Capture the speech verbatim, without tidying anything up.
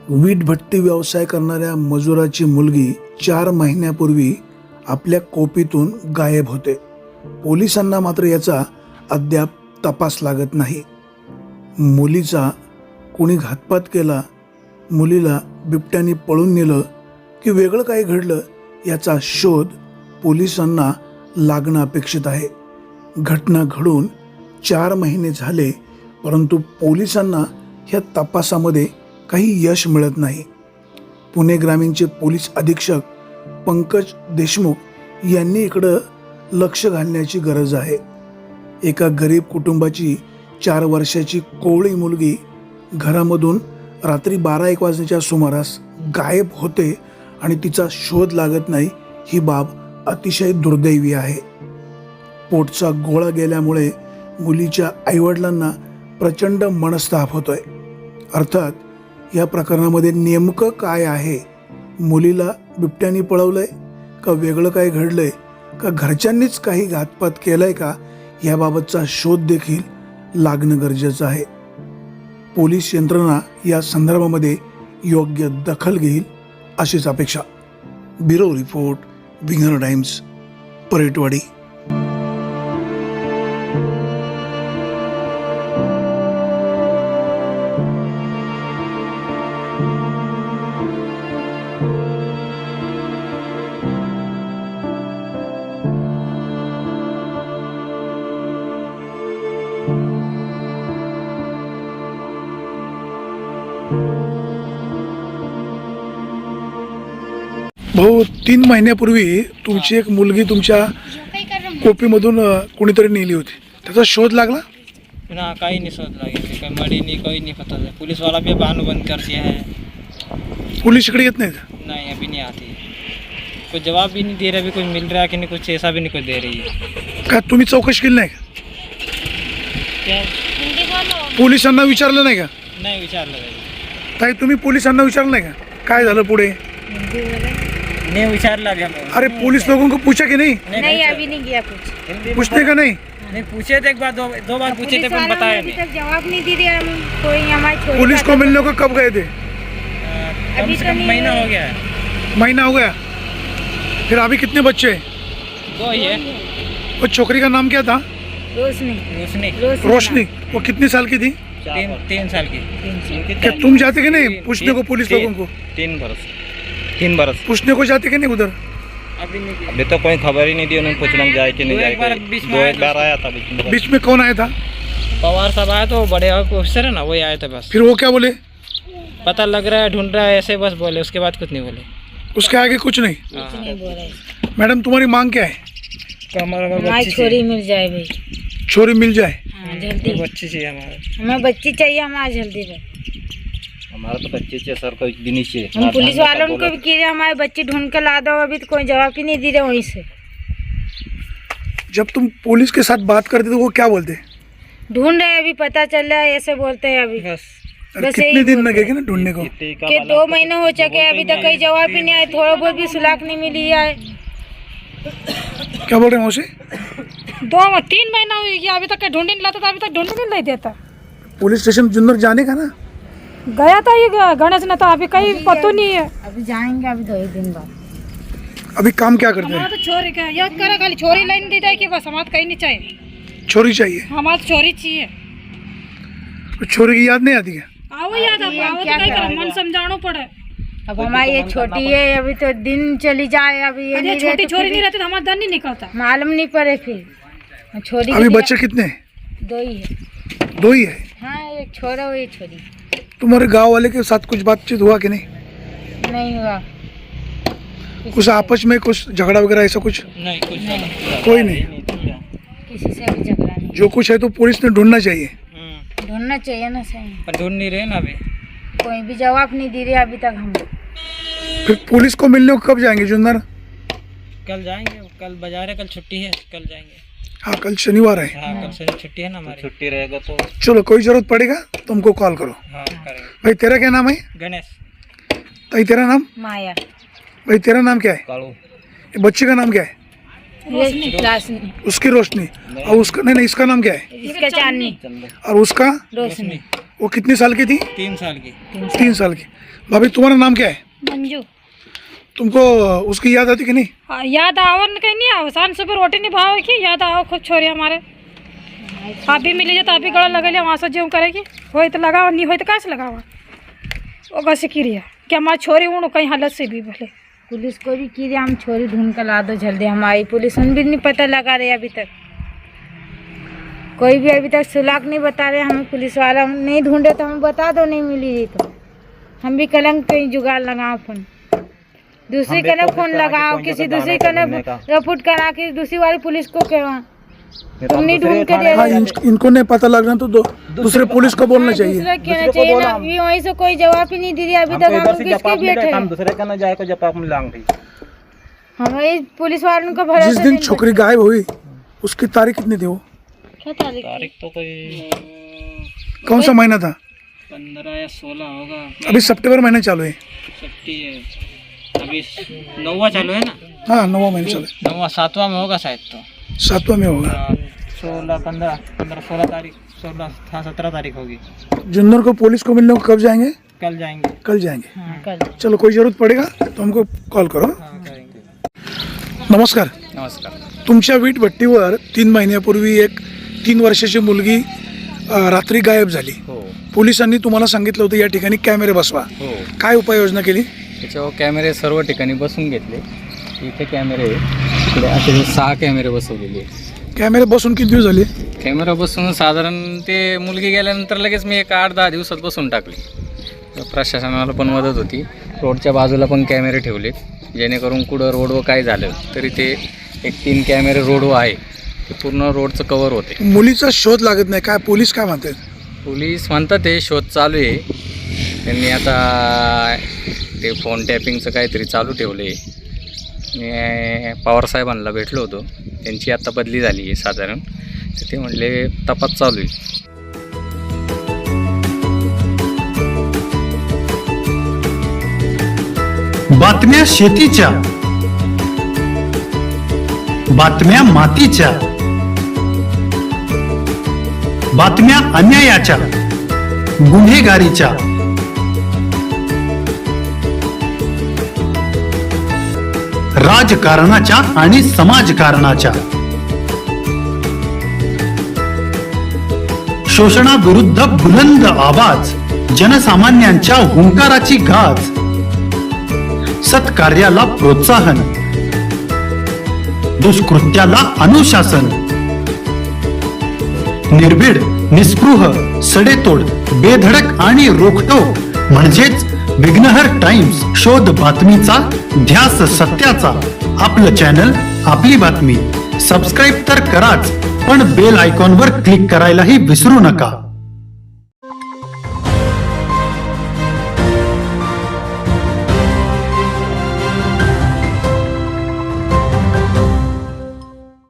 वीट भट्टी व्यवसाय करणाऱ्या मजुराची मुलगी चार महिन्यापूर्वी आपल्या कोपीतून गायब होते. पोलिसांना मात्र याचा अद्याप तपास लागत नाही. मुलीचा कोणी घातपात केला, मुलीला बिबट्याने पळून नेलं की वेगळं काही घडलं याचा शोध पोलिसांना लागणं अपेक्षित आहे. घटना घडून चार महिने झाले, परंतु पोलिसांना ह्या तपासामध्ये काही यश मिळत नाही. पुणे ग्रामीणचे पोलीस अधीक्षक पंकज देशमुख यांनी इकडं लक्ष घालण्याची गरज आहे. एका गरीब कुटुंबाची चार वर्षाची कोवळी मुलगी घरामधून रात्री बारा एक वाजण्याच्या सुमारास गायब होते आणि तिचा शोध लागत नाही. ही बाब अतिशय दुर्दैवी आहे. पोटचा गोळा गेल्यामुळे मुलीच्या आईवडिलांना प्रचंड मनस्ताप होतोय. अर्थात या प्रकरणामध्ये नेमकं काय आहे? मुलीला बिबट्याने पळवलंय का वेगळं काय घडलंय का घरच्यांनीच काही घातपात केलाय का, याबाबतचा शोध देखील लागणं गरजेचं आहे. पोलीस यंत्रणा या संदर्भामध्ये योग्य दखल घेईल अशीच अपेक्षा. Bureau report, Winger Times, Paratwadi. भाऊ, तीन महिन्यापूर्वी तुमची एक मुलगी तुमच्या कोपीमधून कोणीतरी नेली होती, त्याचा शोध लागला ना? काही नहीं शोध लगे, कोई मरी नहीं, कोई नहीं पता है. पुलिस वाला भी बहाना बंद कर दिया है. पोलीस इकडे येत नाही का? नहीं, अभी नहीं आती. कोई जवाब भी नहीं दे रहा, अभी कोई मिल रहा है कि नहीं, कुछ ऐसा भी नहीं कोई दे रही है. का तुम्ही चौकशी केली नाही का? क्या पोलिसांना विचारलं नाही का? नहीं विचार लगा, ताई तुम्ही पोलिसांना विचारलं नाही का काय झालं पुढे? नहीं विचार लगा. अरे पुलिस लोगों को पूछा कि नहीं? नहीं, अभी नहीं गया कुछ. पूछने का नहीं? नहीं पूछे थे, एक बार दो दो बार पूछे थे, पर बताया नहीं. तक जवाब नहीं दे रहे हम. कोई हमारी छोरी पुलिस को मिलने को कब गए थे? कम से कम महीना हो गया है. महीना हो गया. फिर अभी कितने बच्चे हैं? दो ही है. वो छोकरी का नाम क्या था? रोशनी. रोशनी. रोशनी. वो कितनी साल की थी? तीन तीन साल की. क्या तुम जाते कि नहीं पूछने को पुलिस लोगों को? तीन बरस तीन बरस पूछने को जाते कि नहीं उधर? अभी नहीं. अभी तो कोई खबर ही नहीं दी उन्होंने, पूछना जाए कि नहीं दो जाए. एक बार बीच में दो आया एक बार आया था बीच में. बीच में कौन आया था? पवार साहब आए तो बड़े ऑफिसर है ना, वही आए थे बस. फिर वो क्या बोले? पता लग रहा है, ढूंढ रहा है, ऐसे बस बोले. उसके बाद कुछ नहीं बोले. उसके आगे कुछ नहीं. हाँ. नहीं बोल रहे. मैडम तुम्हारी मांग क्या है? हमारी छोरी मिल जाए भाई. छोरी मिल जाए. हाँ, जल्दी. बच्ची चाहिए हमारे. हमें बच्ची चाहिए हमारे जल्दी भाई. हमारा तो बच्चे से सर कोई दिन ही चाहिए. हम पुलिस वालों को भी कह रहे हमारे बच्ची ढूंढ कर ला दो, अभी तो कोई जवाब ही नहीं दे रहे वहीं से. जब तुम पुलिस के साथ बात करते तो वो क्या बोलते? ढूंढ रहे हैं, अभी पता चल रहा है, ऐसे बोलते हैं अभी. बस. अरे बस कितने यही दिन बोलते लगेगा ना ढूंढने को? कि दो महीने हो चुके, अभी तक कोई जवाब ही नहीं आया. थोड़ा बहुत भी सुलाक नहीं मिली है. क्या बोल रहे हैं मौसी? दो तीन महीना हुई गया, अभी तक ढूंढ नहीं लाता था, अभी तक ढूंढ भी नहीं देता. पुलिस स्टेशन जुन्नर जाने का ना? गया था ये गणेश ने, तो अभी कहीं पता नहीं है. अभी जाएंगे, अभी दो ही दिन बाद. अभी काम क्या करते हमारा हैं? तो छोरी का याद करा, खाली छोरी लाइन दी जाए कि बस. हमारा कहीं नहीं चाहिए, छोरी चाहिए. हमारा तो छोरी चाहिए. तो छोरी की याद नहीं आती है? आओ याद अब, आओ तो कहीं करो, मन समझाना पड़े. अब हमारी ये छोटी है, अभी तो दिन चली जाए. अभी ये अरे नहीं छोटी रहे तो छोरी फिर नहीं रहती तो हमारा दर नहीं निकलता. मालूम नहीं पड़े. फिर छोरी अभी के लिए- बच्चे कितने हैं? दो ही है. दो ही है. हाँ, एक छोरा और एक छोरी. तुम्हारे गांव वाले के साथ कुछ बातचीत हुआ कि नहीं? नहीं हुआ. कुछ आपस में कुछ झगड़ा वगैरह ऐसा कुछ? नहीं कुछ नहीं. कोई नहीं. किसी से भी झगड़ा नहीं. जो कुछ है तो पुलिस ने ढूंढना चाहिए. हम्म. ढूंढना चाहिए ना. सही पर ढूंढ नहीं रहे ना अभी. कोई भी जवाब नहीं दे रहे अभी तक. हम फिर पुलिस को मिलने को कब जाएंगे जुन्नर? कल जाएंगे. कल बाजार है, कल छुट्टी है, कल जाएंगे. हाँ, कल शनिवार है. हाँ, कल से छुट्टी है ना हमारी. छुट्टी रहेगा तो चलो, कोई जरूरत पड़ेगा तो हमको कॉल करो. हाँ करेंगे. भाई तेरा क्या नाम है? गणेश. भाई तेरा नाम? माया. भाई तेरा नाम क्या है? कालू. ये बच्चे का नाम क्या है? रोशनी. रोशनी. उसकी रोशनी. और उसका नहीं नहीं इसका नाम क्या है? इसका चांदनी. और उसका? रोशनी. वो कितने साल की थी? तीन साल की। तीन साल की। भाभी तुम्हारा नाम क्या है? मंजू तुमको उसकी याद आती कि नहीं? हाँ, याद आओ न कहीं नहीं आओ शान सुबह रोटी नहीं भाव की याद आओ खूब छोरी हमारे आप भी मिली तो आप भी गला लगे वहाँ से जो करेगी हो तो लगाओ नहीं हो तो कहाँ से लगाओ वो कैसे की रही कि हमारी छोरी उड़ कहीं हालत से भी भले पुलिस को भी की हम छोरी ढूंढ कर ला दो जल्दी, हमारी पुलिस उन भी नहीं पता लगा रहे अभी तक, कोई भी अभी तक सुलाक नहीं बता रहे हमें। पुलिस वाला नहीं ढूंढे तो हमें बता दो, नहीं मिली रही तो हम भी कलंक कहीं जुगाड़ लगाओ, फोन दूसरी हम भी कने कोशिश फोन करा कि लगाओ, कोई किसी जगह दूसरी दाना कने ढूंढने का। रिपोर्ट करा के दूसरी वाली पुलिस को कहवा, नहीं तो तुम हम नहीं दूसरे ढूंढ के थाने दे हाँ, रहे। इन, इनको नहीं पता लग रहा तो दो, दूसरे पुलिस को बोलना चाहिए। दूसरा कहना दूसरे को चाहिए बोला ना, हम। ये वहीं से कोई जवाब ही नहीं दे रही अभी तक, हमको इधर हम से किसके जवाब मिले बैठे हम दूसरे का न जाए को जवाब मिलांग थी। हमारे पुलिस वालों को जिस भरोसा दिन नहीं छोकरी गायब हुई उसकी तारीख कितनी थी? वो क्या तारीख तारीख तो कोई कौन सा महीना था? पंद्रह या सोलह होगा। अभी सितंबर महीने चालू है। छुट्टी है अभी, नौवा चालू है ना? हाँ, नौवा महीने चालू है। नौवा सातवां में होगा शायद तो। सातवां में होगा। हाँ, सोलह पंद्रह पंद्रह सोलह तारीख, सोलह हाँ सत्रह तारीख होगी। जिंदर को पुलिस को मिलने को कब जाएंगे? कल जाएंगे। कल जाएंगे। हाँ कल चलो, कोई जरूरत पड़ेगा तो हमको कॉल करो। हाँ करेंगे। नमस्कार. नमस्कार. तुमच्या वीट भट्टीवर तीन महिन्यापूर्वी एक तीन वर्षाची मुलगी अ, रात्री गायब झाली. हो पोलिसांनी तुम्हाला सांगितलं होतं या ठिकाणी कॅमेरे बसवा. हो काय उपाययोजना केली? त्याच्यावर कॅमेरे सर्व ठिकाणी बसून घेतले. इथे कॅमेरे इकडे असे सहा कॅमेरे बसवलेले. कॅमेरे बसून किती दिवस झाले? कॅमेरा बसून साधारण ते मुलगी गेल्यानंतर लगेच मी एक आठ दहा दिवसात बसून टाकले. प्रशासनाला पण मदत होती. रोडच्या बाजूला पण कॅमेरे ठेवले जेणेकरून कुठं रोडवर काय झालं तरी ते एक तीन कॅमेरे रोडवर आहे ते पूर्ण रोडचं कवर होते. मुलीचा शोध लागत नाही. काय पोलीस काय म्हणतात? पोलीस म्हणतात ते शोध चालू आहे. त्यांनी आता ते फोन टॅपिंगचं काहीतरी चालू ठेवले. मी पवारसाहेबांना भेटलो होतो. त्यांची आता बदली झाली आहे साधारण. तर ते म्हटले तपास चालू आहे. बातम्या शेतीच्या, बातम्या मातीच्या, बातम्या अन्यायाच्या, गुन्हेगारीच्या, राजकारणाच्या आणि समाजकारणाच्या, शोषणाविरुद्ध बुलंद आवाज, जनसामान्यांच्या हुंकाराची गाज, सत्कार्याला प्रोत्साहन, दुष्कृत्याला अनुशासन, निर्भीड, निस्पृह, सडेतोड, बेधडक आणि रोखटोक म्हणजेच विघ्नहर टाइम्स. शोध बातमीचा, ध्यास सत्याचा. आपलं चॅनल, आपली बातमी. सबस्क्राईब तर कराच, पण बेल आयकॉनवर क्लिक करायलाही विसरू नका.